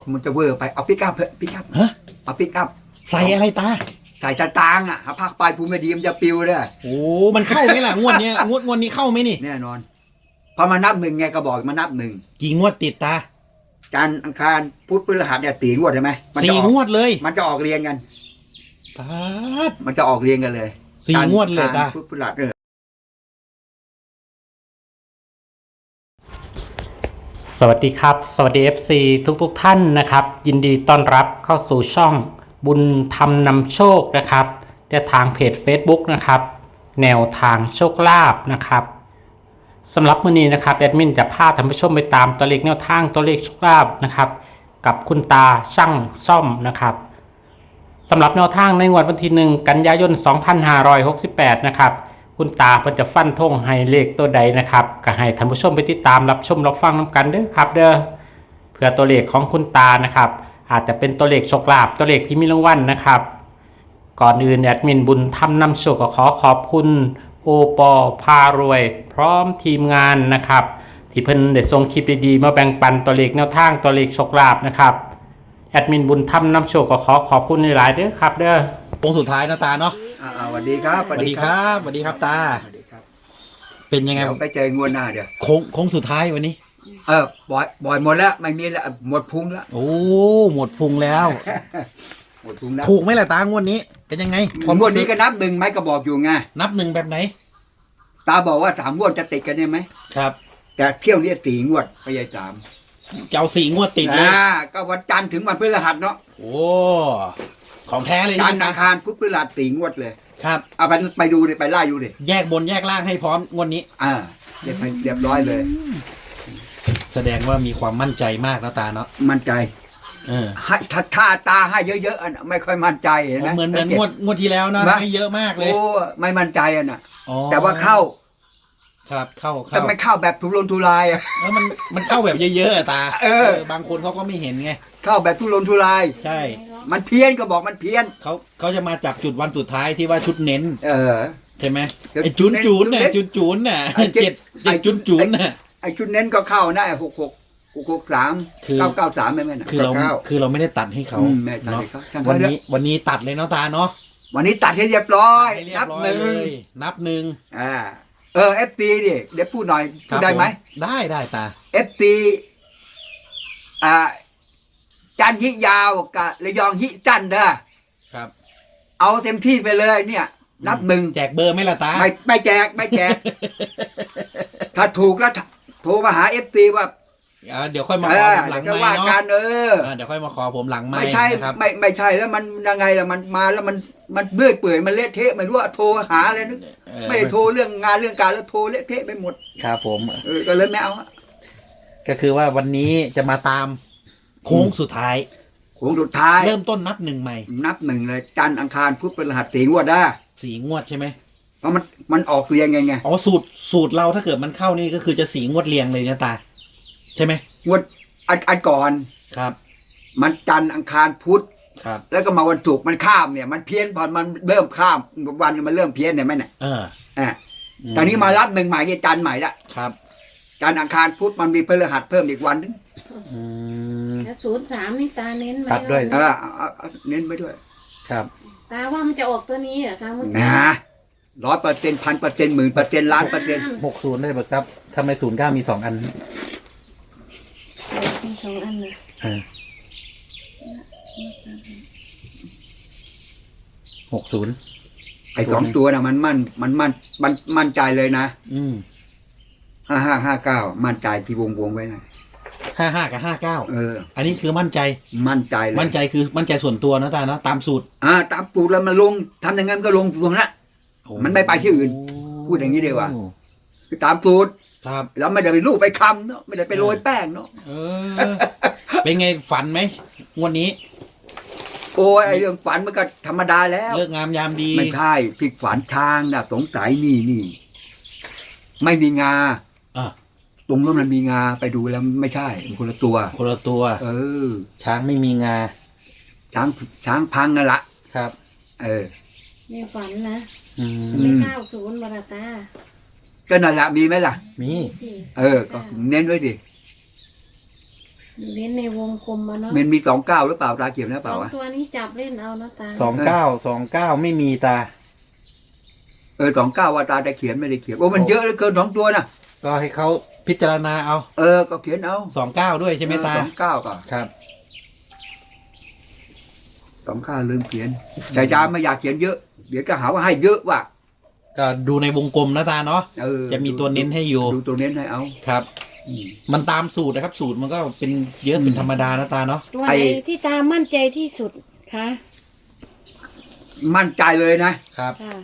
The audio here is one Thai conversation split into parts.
มันจะเวอร์ไปเอาปิกอัพเถอะปิกอัพฮะเอาปิกอัพใส่อะไรตาใส่ตาตางอ่ะหาภาคปลายภูมิไม่ดีมันจะปิวเลยโอ้มันเข้าไหมล่ะงวดเนี้ยงวดนี้เข้าไหมนี่แน่นอนพอมานับหนึ่งไงก็บอกมานับหนึ่งกี่งวดติดตาจันทร์อังคารพุธพฤหัสเนี่ยตีงวดใช่ไหมมันสี่จะออกงวดเลยมันจะออกเรียงกันตาดมันจะออกเรียงกันเลยสี่งวดเลยจันทร์อังคารตาพุธพฤหัสสวัสดีครับสวัสดี FC ทุกท่านนะครับยินดีต้อนรับเข้าสู่ช่องบุญธรรมนำโชคนะครับและทางเพจ Facebook นะครับแนวทางโชคลาภนะครับสำหรับมื้อนี้นะครับแอดมินจะพาท่านผู้ชมไปตามตัวเลขแนวทางตัวเลขโชคลาภนะครับกับคุณตาช่างซ่อมนะครับสำหรับแนวทางในงวดวันที่1กันยายน2568นะครับคุณตาเพิ่นจะฟันธงให้เลขตัวใดนะครับก็ให้ท่านผู้ชมไปติดตามรับชมรับฟังนำกันเด้อครับเด้อเพื่อตัวเลขของคุณตานะครับอาจจะเป็นตัวเลขโชคลาภตัวเลขที่มีรางวัลนะครับก่อนอื่นแอดมินบุญทำนำโชคก็ขอขอบคุณโอปอพารวยพร้อมทีมงานนะครับที่เพิ่นได้ส่งคลิปดีๆมาแบ่งปันตัวเลขแนวทางตัวเลขโชคลาภนะครับแอดมินบุญทำนำโชคก็ขอขอบคุณหลายๆเด้อครับเด้อโค้งสุดท้ายนะตาเนาะสวัสดีครับสวัสดีครับสวัสดีครับตาสวัสดีครับเป็นยังไงเดี๋ยวไปเจองวดหน้าเดี๋ยวโค้งสุดท้ายวันนี้บ่อยหมดแล้วไม่มีแล้วหมดพุงแล้วโอ้หมดพุงแล้วหมดพุงแล้วถูกไหมล่ะตางวดนี้เป็นยังไงงวดนี้ก็นับหนึ่งไหมก็บอกอยู่ไงนับหนึ่งแบบไหนตาบอกว่า3 งวดจะติดกันได้ไหมครับแต่เที่ยวนี้4 งวดไม่ใช่3 จะเอาสี่งวดติดเลยก็วันจันทร์ถึงวันพฤหัสเนาะโอ้ของแท้เลยจันทใช่ร์ไหมอังคารพุธพฤหัส4 งวดเลยครับเอาไปดูดิไปไล่ดูดิแยกบนแยกล่างให้พร้อมงวดนี้เรียบร้อยเลยแสดงว่ามีความมั่นใจมากนะตาเนาะมั่นใจเออให้ถ้าตาให้เยอะๆอะไม่ค่อยมั่นใจเห็นไหมเหมือนงวดที่แล้วนะนะให้เยอะมากเลยโอ้ไม่มั่นใจอ่ะนะอ๋อแต่ว่าเข้าครับเข้าแต่ไม่เข้าแบบทุรนทุรายอ่ะแล้วมันเข้าแบบเยอะๆอะตาเออบางคนเขาก็ไม่เห็นไงเข้าแบบทุรนทุรายใช่มันเพี้ยนก็บอกมันเพี้ยนเขาจะมาจับจุดวันสุดท้ายที่ว่าชุดเน้นเออใช่ไหมเดี๋ยวไอ้จุนจูนจุดเน้เนี่ยนจุนน่ะไอ้เจ็เจ็ดดเจ็ดจุนน่ะไอ้ชุดเน้นก็เข้านะ663 คือ 993ไม่แม่นนะคือเรา 99 คือเราไม่ได้ตัดให้เขาแม่ตัดเนาะให้เขาช่างวันเขาเถนี้อะวันนี้ตัดเลยเนาะตาเนาะวันนี้ตัดให้เรียบร้อยให้เรียนับบ ร้อยหนึ่งเลยนับหนึ่ง FT ดิเดี๋ยวพูดหน่อยพูดได้ไหมผมได้ตา FT จันทร์ฮิยาวกับระยองฮิจันทร์เด้อครับเอาเต็มที่ไปเลยเนี่ย นับหนึ่งแจกเบอร์ไหมล่ะตาไม่แจกไม่แจก ถ้าถูกแล้วโทรมาหา FT ว่าเดี๋ยวค่อยมาขอผมหลังจะไม้ว่ากัเนาะนเดี๋ยวค่อยมาขอผมหลังไม้ไม่ใช่นะครับไม่ใช่แล้วมันยังไงล่ะมันมาแล้วมันเบื่อเปื่อยมันเละเทะไม่รู้ว่าโทรหาอะไรนึกไม่ได้โทรเรื่องงานเรื่องการแล้วโทรเละเทะไปหมดครับผมก็เลยไม่เอาอะก็คือว่าวันนี้จะมาตามโค้งสุดท้ายโค้งสุดท้ายเริ่มต้นนับหนึ่งใหม่นับหนึ่งเลยจันทร์อังคารพุธพฤหัส4 งวดได้สี่งวดใช่ไหมเพราะมันออกเรียงไงอ๋อสูตรเราถ้าเกิดมันเข้านี่ก็คือจะสี่งวดเรียงเลยนะตา ใช่ไหมงวดอันก่อนครับมันจันทร์อังคารพุธครับแล้วก็มาวันศุกร์มันข้ามเนี่ยมันเพี้ยนพอมันเริ่มข้ามวันมันเริ่มเพี้ยนเนี่ยไหมเนี่ยเออตอนนี้มารับหนึ่งใหม่เนี่ยจันทร์ใหม่ละครับจันทร์อังคารพุธมันมีพฤหัสเพิ่มอีกวันนึงอืมแล้ว03นี่ตาเน้นไหมตัดด้วยเอาเน้นไปด้วยครับตาว่ามันจะออกตัวนี้เหรอคะเมื่อกี้นะ100% 1,000% 10,000%ล้าน%. 60ได้ปะครับทำไม09มี2 อันมี2 อันเลยเออ60 ไอ้2 ตัวนะมันมั่นใจเลยนะอืม 5559มั่นใจที่วงไว้นะ 55 กับ 59 อันนี้คือมั่นใจมั่นใจเลยมั่นใจคือมั่นใจส่วนตัวนะตาเนาะตามสูตรตามสูตรแล้วมันลงทำอย่างนั้นก็ลงตรงนั้น มันไม่ไปที่อื่น พูดอย่างนี้ดีกว่า คือตามสูตรครับแล้วไม่ได้ไปลูบไปคำเนาะไม่ได้ไปโรยแป้งเนาะเออ เป็นไงฝันไหมงวันนี้โอ้ยไอ้เรื่องฝันมันก็ธรรมดาแล้วเลิกงามยามดีไม่ใช่ที่ฝันช้างนะสงสัยนี่ไม่มีงาอ่ะตรงนั้นมันมีงาไปดูแล้วไม่ใช่มันคนละตัวคนละตัวเออช้างไม่มีงาช้างพังนั่นละครับเออในฝันนะอืมไม่90บาทตาก็นั่นแหละมีไหมล่ะมีสิก็เน้นไว้สิเล่นในวงกลมมาเนาะมันมี29หรือเปล่าตาเขียนหรือเปสล่าองวะตัวนี้จับเล่นเอานะตา 29ไม่มีตา 29ว่าตาจะเขียนไม่ได้เขียนโอ้มันเยอะเหลือเกิน2ตัวนะก็ให้เขาพิจารณาเอาก็เขียนเอา 29ด้วยใช่ไหมตา 29ก็ครับ 29ลืมเขียน แต่อาจารย์ไม่อยากเขียนเยอะ เดี๋ยวก็หาว่าให้เยอะว่ะก็ดูในวงกลมนะตาเนาะเออจะมีตัวเน้นให้อยู่ดูตัวเน้นให้เอาครับอืมมันตามสูตรนะครับ สูตรมันก็เป็นเยอะเป็นธรรมดานะตาเนาะตัวไอ้ไหนที่ตามั่นใจที่สุดคะมั่นใจเลยนะครับค่ะ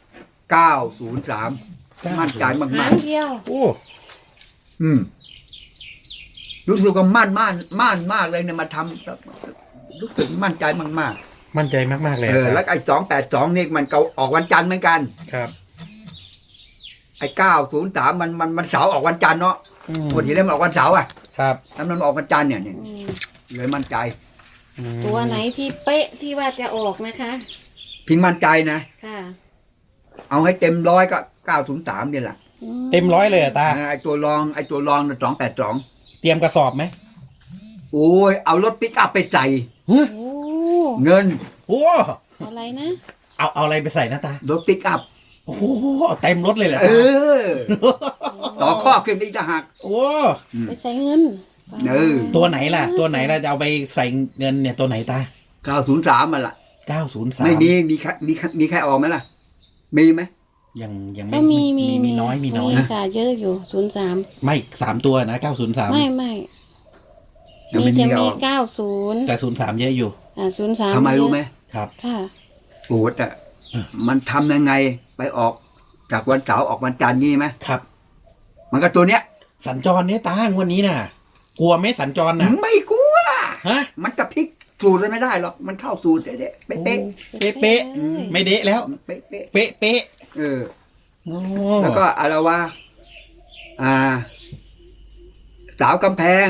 903มั่นใจมาหาก งเดียวโอ้ๆรู้สึกว่ามั่นมากเลยเนี่ยมาทำรู้สึกมั่นใจมากมั่นใจมากๆเลยๆแล้วไอ้282นี่มันเก่าออกวันจันทร์เหมือนกันครับไอ้903มันเสาร์ออกวันจันทร์เนาะ คนที่เล่นมันออกวันเสาร์อ่ะครับแล้วมันออกวันจันทร์เนี่ยอืมเลยมั่นใจตัวไหนที่เป๊ะที่ว่าจะออกนะคะพิงมั่นใจนะค่ะเอาให้เต็มร้อยก็903เนี่ยแหละเต็มร้อยเลยเหรอตาไอ้ตัวรองน่ะ282 เตรียมกระสอบไหมโอ้ยเอารถปิกอัพไปใส่โอ้เงินโอ้อะไรนะเอาอะไรไปใส่นะตารถปิกอัพโอ้โหเอาเต็มรถเลยเหรอเอตาอ ต่อข้อขึ้นอีกต่างหากโอ้ไปใส่เงินเออตัวไหนล่ะ ตัวไหนล่ะจะเอาไปใส่เงินเนี่ยตัวไหนตา 903มันล่ะ 903 ไม่มีใครออกไหมล่ะ มีไหมยังก็มีมีน้อยนะค่ะเยอะอยู่03 ไม่3ตัวนะ903 ไม่ยังมีไม่มีจะใครอมีอก 90 แต่03เยอะอยู่ 03 ทำไมรู้ไหมครับค่ะโอ้แต่มันทำยังไงไปออกจากวันเสาร์ออกวันจันทร์งี้ไหมครับมันก็ตัวเนี้ยสัญจรเนี่ยตางวันนี้น่ะ กลัวไหมสัญจรน่ะไม่กลัวฮะมันจะพลิกสูตรเลยไม่ได้หรอกมันเข้าสูตรเด๊ะๆเป๊ะเป๊ะ ไม่เดะแล้วๆเป๊ะเป๊ะๆเออโอ้แล้วก็อะไรวะสาวกำแพง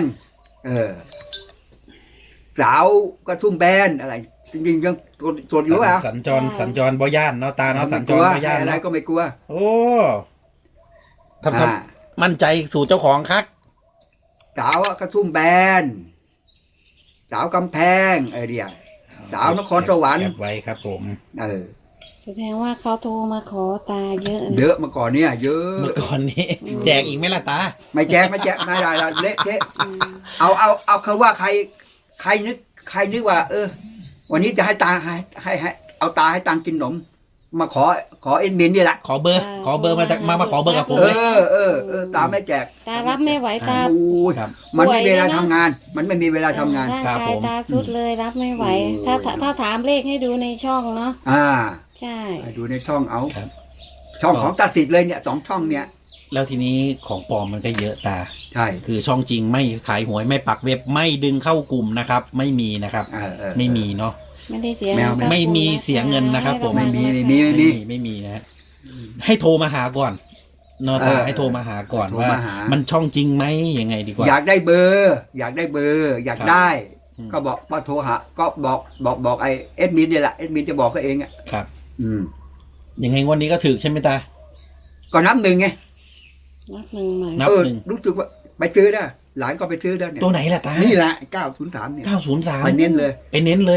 สาวกระทุ่มแบนอะไร จริงๆยังตรวจอยู่อ่ะสัญจรบ่ย่านเนาะตาเนาะสัญจรบ่ย่านอะไรเนาะก็ไม่กลัวโอ้ทำมั่นใจสู่เจ้าของคักสาวกระทุ่มแบน สาวกำแพงเดียวสาวนครสวรรค์เก็บไว้ครับผมแสดงว่าเขาโทรมาขอตาเยอะนะเยอะมาก่อนเนี่ย เยอะเมื่อก่อนนี้ แจกอีกไหมล่ะตาไม่แจกไม่ได้ละเละเทะอืมเอาคือว่าใครนึกว่า วันนี้จะให้ตาให้เอาตาให้ตังกินขนม มาขอเอ็นมินนี่แหละขอเบอร์มาขอเบอร์กับผมเลยตาไม่แจกตารับไม่ไหวตาโอ้ยครับมันไม่มีเวลาทำงาน มันไม่มีเวลาทำงานร่างครับกาผยมตาสุดเลยรับไม่ไหวโอ้ถ้าถามเลขให้ดูในช่องเนาะ ใช่ไปดูในช่องเอาครับช่องของตาติดเลยเนี่ย2 ช่องเนี่ยแล้วทีนี้ของปลอมมันก็เยอะตาใช่คือช่องจริงไม่ขายหวยไม่ปักเว็บไม่ดึงเข้ากลุ่มนะครับ ไม่มีนะครับ ไม่มีเนาะไม่ได้เสียแมวเงินไม่มีเสียเงินนะครับผมให้ะวังไม่มีนะฮะให้โทรมาหาก่อนเนอะตาให้โทรมาหาก่อนโทรว่ามาหามันช่องจริงไหมยังไงดีกว่าอยากได้เบอร์ อยากได้อืมก็บอกว่าโทรหาก็บอกไอ้เอ็ดมินเนี่ยแหละเอ็ดมินจะบอกเขาเองอ่ะครับอืมยังไงงวันนี้ก็ถือใช่ไหมตาก็นับหนึ่งไงนับหนึ่งใหม่นับหนึ่งรู้สึกว่าไปซื้อได้หลานก็ไปซื้อได้เนี่ยตัวไหนล่ะตานี่แหละ903เนี่ย 903 ไปเน้นเลยไปเน้นเลย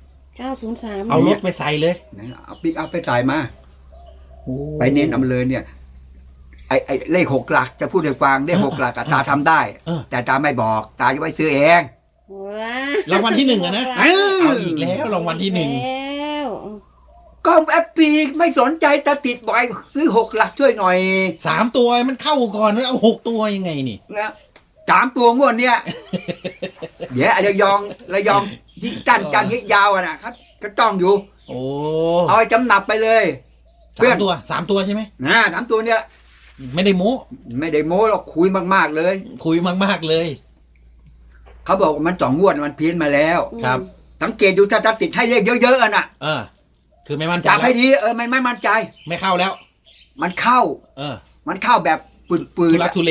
903 เอารถไปใส่เลยเอาปิกอัพไปใส่มาโอ้ไปเน้นเอามาเลยเนี่ย ไอ้เลข6 หลักจะพูดให้ฟังเลข6 หลักอะตาทำได้ แต่ตาไม่บอก ตาจะไปซื้อเองว้ารางวัลที่หนึ่งอะนะ เอาอีกแล้วรางวัลที่หนึ่งแล้วก็แอปปีไม่สนใจตาติดบ่อยซื้อ6 หลักช่วยหน่อย 3 ตัวมันเข้าก่อนแล้วเอา6 ตัวยังไงนี่นะ3 ตัวงวดเนี่ย เดี๋ยวระยองที่จันที่ยาวอะนะครับก็ต้องอยู่โอ้เอาไปจำหนับไปเลย 3 ตัวใช่ไหมนะ3 ตัวเนี่ยไม่ได้โม้ไม่ได้โม้หรอกคุยมากๆเลยคุยมากๆเลยเขาบอกว่ามัน2 งวดมันเพี้ยนมาแล้วครับสังเกตดูถ้าติดให้เลขเยอะๆอะน่ะคือไม่มั่นใจจับให้แล้วดีมันไม่มั่นใจไม่เข้าแล้วมันเข้า มันเข้าแบบปืนทุลักทุเล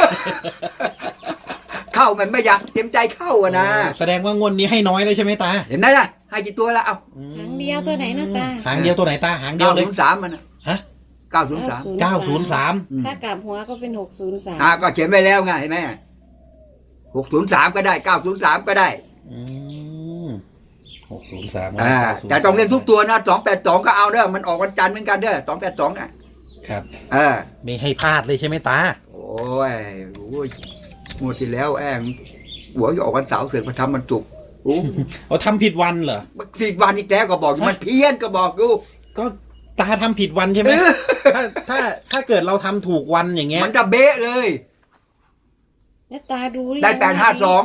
เข้ามันไม่อยากเต็มใจเข้าอะนะแสดงว่างวดนี้ให้น้อยเลยใช่ไหมตาเห็นไหมล่ะให้กี่ตัวแล้วเอาหางเดียวตัวไหนนะตาหางเดียวตัวไหนตาหางเดียวเลย 903มันน่ะฮะ 903 903 อืมถ้ากลับหัวก็เป็น603 ก็เขียนไว้แล้วไงเห็นไหม 603ก็ได้903ก็ได้อืม603 แต่ต้องเล่นทุกตัวนะ282ก็เอาเด้อมันออกวันจันทร์เหมือนกันเด้อ282 ครับไม่ไม่ให้พลาดเลยใช่ไหมตาโอ้ยงวดที่แล้วหัวจะออกวันเสาร์เสือกมาทำมันจุกร์โอ้เอาทำผิดวันเหรอผิดวันอีกแล้วก็บอกอยู่มันเพี้ยนก็บอกอยู่ก็ตาทำผิดวันใช่ไหมถ้าเกิดเราทำถูกวันอย่างเงี้ยมันจะเบ๊ะเลยแล้วตาดูหรือได้ยัง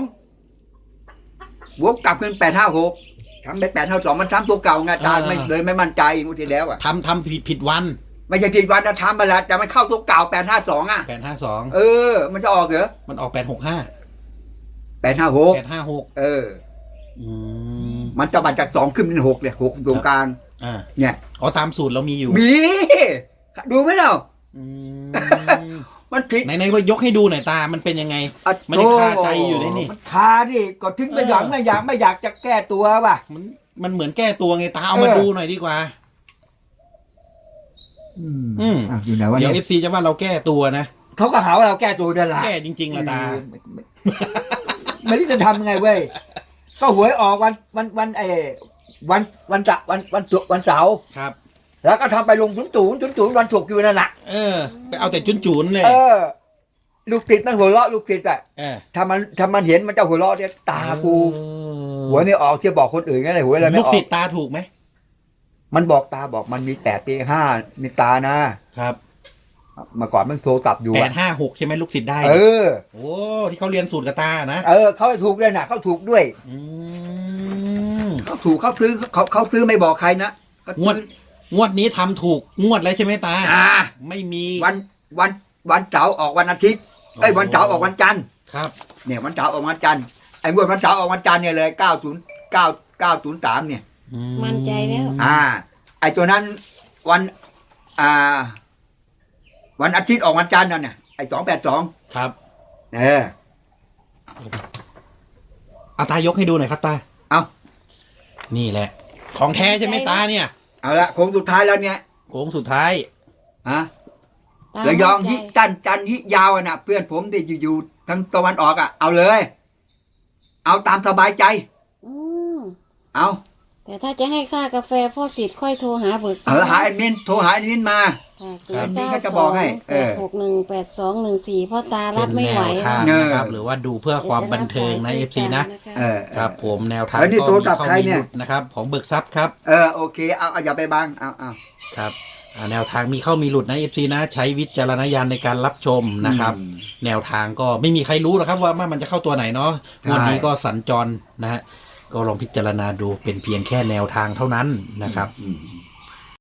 852บวกกลับเป็น856ทำได้852มันทำตัวเก่าไงตาไม่เลยไม่มั่นใจงวดที่แล้วทำผิดวันไม่ใช่ผิดวันนะทำมาแล้วแต่มันเข้าตัวเก่า852 852 มันจะออกเหรอมันออก865 856 856 มันจะมาจาก2ขึ้นเป็น6เนี่ย6ตรงกลางเนี่ยอ๋อตามสูตรเรามีอยู่มีดูไหมเรา มันผิดไหนๆว่ายกให้ดูหน่อยตามันเป็นยังไงมันยังคาใจอยู่เลยนี่มันคาดิก็ถึงไม่อยากไม่อยากจะแก้ตัวว่ะมันเหมือนแก้ตัวไงตาเอามาดูหน่อยดีกว่าอยู่ไหนวะเดี๋เนี่ยวย FC จะว่าเราแก้ตัวนะเขาก็หาว่าเราแก้ตัวเดินละแก้จริงๆละตาไม่รู้จะทำยังไงเว้ยก็หวยออกวันเสาร์ครับแล้วก็ทำไปลงศูนย์วันถูกอยู่นั่นแหละไปเอาแต่จุนๆเลยลูกติดนั่นหัวเราะลูกติดถ้ามันเห็นมันจะหัวเราะเนี่ยตากูหวยไม่ออกเชื่อบอกคนอื่นไงเลยหวยอะไรไม่ออกลูกศิษย์ตาถูกไหมมันบอกตาบอกมันมี8 ปี5มีตานะครับเมื่อก่อนมันโทรกลับอยู่ 856ใช่ไหมลูกศิษย์ได้โอ้ที่เขาเรียนสูตรกับตานะเขาถูกเลยนะเขาถูกด้วยเขาถูกเขาซื้อไม่บอกใครนะงวดนี้ทำถูกงวดแล้วใช่ไหมตาไม่มีวันเสาร์ออกวันอาทิตย์วันเสาร์ออกวันจันทร์ครับเนี่ยวันเสาร์ออกวันจันทร์งวดวันเสาร์ออกวันจันทร์เนี่ยเลย903เนี่ยมั่นใจแล้วไอ้ตัวนั้นวันอาทิตย์ออกวันจันทร์นั่นเนี่ยไอ้282 ครับเอาตายกให้ดูหน่อยครับตาเอานี่แหละของแท้ใช่ไหมตาเนี่ยเอาละโค้งสุดท้ายแล้วเนี่ยโค้งสุดท้ายระยองฮิจันฮิยาวน่ะเพื่อนผมที่อยู่ทั้งตะวันออกเอาเลยเอาตามสบายใจเอาแต่ถ้าจะให้ค่ากาแฟพ่อสิทธิ์ค่อยโทรหาเบิกหาแอดมินโทรหาแอดมินมานี่ก็จะบอกให้618214พ่อตารับไม่ไหวนะครับหรือว่าดูเพื่อความบันเทิงใน FC นะครับผมแนวทางก็มีเข้ามีหลุดนะครับของเบิกทรัพย์ครับโอเคเอาอย่าไปบังเอาครับแนวทางมีเข้ามีหลุดนะ FC นะใช้วิจารณญาณในการรับชมนะครับแนวทางก็ไม่มีใครรู้หรอกครับว่ามันจะเข้าตัวไหนเนาะวันนี้ก็สัญจรนะฮะก็ลองพิจารณาดูเป็นเพียงแค่แนวทางเท่านั้นนะครับ